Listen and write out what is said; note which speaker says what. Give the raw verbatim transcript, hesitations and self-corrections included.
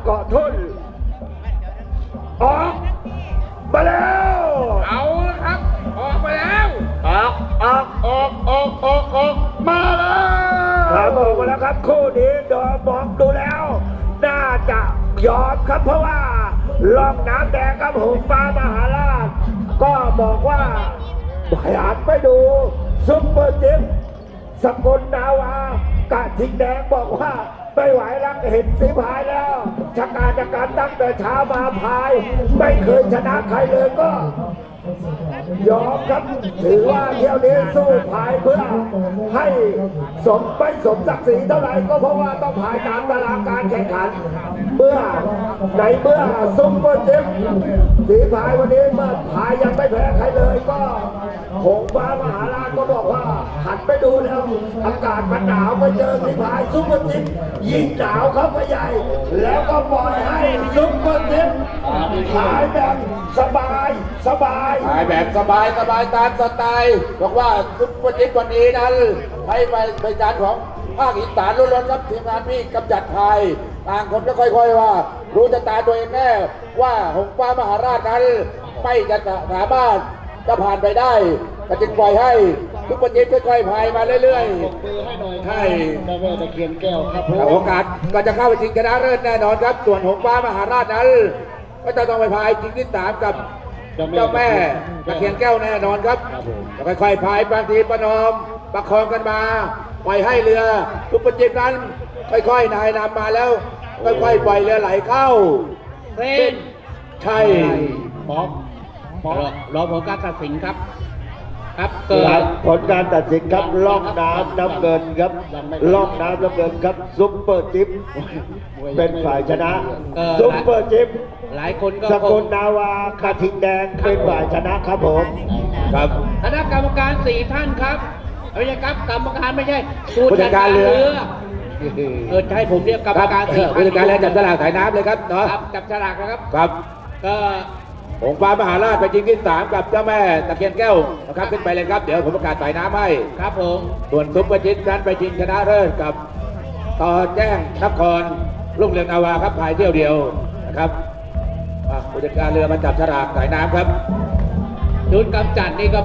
Speaker 1: เกาะทุ่นออกมาแล้ว
Speaker 2: เอาละครับ ออกมาแล้ว
Speaker 1: ออกออก
Speaker 2: ออกออกออกออกมาแล้ว
Speaker 1: ครับออกมาแล้วครับคู่นี้ดอมองดูแล้ว น่าจะยอมครับเพราะว่าล่องน้ำแดงครับหงฟ้ามหาราช ก็บอกว่าขยันไปดูซุปเปอร์จิ๊บสกุลนาวากะทิงแดงบอกว่าไม่ไหวแล้วเห็นสีพายแล้วชะการจากการตั้งแต่เช้ามาพาย ไม่เคยชนะใครเลยก็ ยอมครับถือว่าเที่ยวนี้สู้พายเพื่อให้สมไม่สมศักดิ์ศรีเท่าไหร่ก็เพราะว่าต้องพายตามตารางการแข่งขัน เมื่อในเมื่อซุปเปอร์เจ็บสีพายวันนี้เมื่อพายยังไม่แพ้ใครเลยก็หงฟ้ามหาราชก็บอกว่าหันไปดูแล้วอากาศมันหนาวไปเจอสีพายซุปเปอร์เจ็บยิ่งหนาวเข้าไปใหญ่ แล้วก็ปล่อยให้ซุปเปอร์เจ็บพายแบบสบายสบาย
Speaker 2: ถ่ายแบบสบายสบายตามสไตล์บอกว่าซุปเปอร์จิ๊บวันนี้นั้นให้ไปเป็นการของภาคอีสานล้วนๆครับทีมงานพี่กำจัดไทยต่างคนก็ค่อยๆว่า รู้จะตาตัวเองแน่ว่าหงฟ้ามหาราชนั้นไม่จะสามารถจะผ่านไปได้ก็จึงปล่อยให้ซุปเปอร์จิ๊บค่อยๆพายมาเรื่อยๆใช่
Speaker 3: แม่แม่ตะเคียนแก้วครับผม
Speaker 2: โอกาสก็จะเข้าไปชิงชนะเลิศแน่นอนครับส่วนหงฟ้ามหาราชนั้นก็จะต้องไปพายชิงที่สามกับเจ้าแม่ตะเคียนแก้วแน่นอนครับค่อยๆพายบางทีประนอมประคองกันมาปล่อยให้เรือทุกประจิบนั้นค่อยๆนายนำมาแล้วค่อยๆปล่อยเรือไหลเข้า
Speaker 4: เส้น
Speaker 2: ใช่
Speaker 3: ป๊อปป๊อป
Speaker 4: รอรอผลการตัดสินครับ ครับเกิ
Speaker 1: หลั
Speaker 4: ด
Speaker 1: งผลการตัดสินครับล่องน้ำน้ำเงินครับล่องน้ำน้ำเงินครับซุปเปอร์จิ๊บเป็นฝ่ายชนะซุปเปอร์จิ๊บ
Speaker 4: หลายคนก็
Speaker 1: ส
Speaker 4: ค
Speaker 1: กุ
Speaker 4: ง
Speaker 1: ลนาวากระทิงแดงเป็นฝ่ายชนะครับผม
Speaker 2: ครับ
Speaker 4: คณะกรรมการสี่ท่านครับไม่ใช่ครับกรรมการไม่ใช่
Speaker 2: ผู้จัดการเรือ
Speaker 4: เออใช่ผมเรียกกรรมการสี่ท่าน
Speaker 2: ผู้จัดการเรือจับฉลากสายน้ำเลยครับเนาะ
Speaker 4: ครับจับฉลากนะครับ
Speaker 2: ครับ
Speaker 4: ก็
Speaker 2: หงฟ้ามหาราชไปชิงที่สามกับเจ้าแม่ตะเคียนแก้วนะครับขึ้นไปเลยครับเดี๋ยวผมประกาศสายน้ำให้
Speaker 4: ครับผม
Speaker 2: ส่วนซุปเปอร์จิ๊บนั้นไปชิงชนะเลิศกับต่อแจ้งนครรุ่งเรืองนาวาครับพายเที่ยวเดียวนะครับอ่ะผู้จัดการเรือมาจับฉลากสายน้ำครับ
Speaker 4: ชุดกำจัดนี่ก็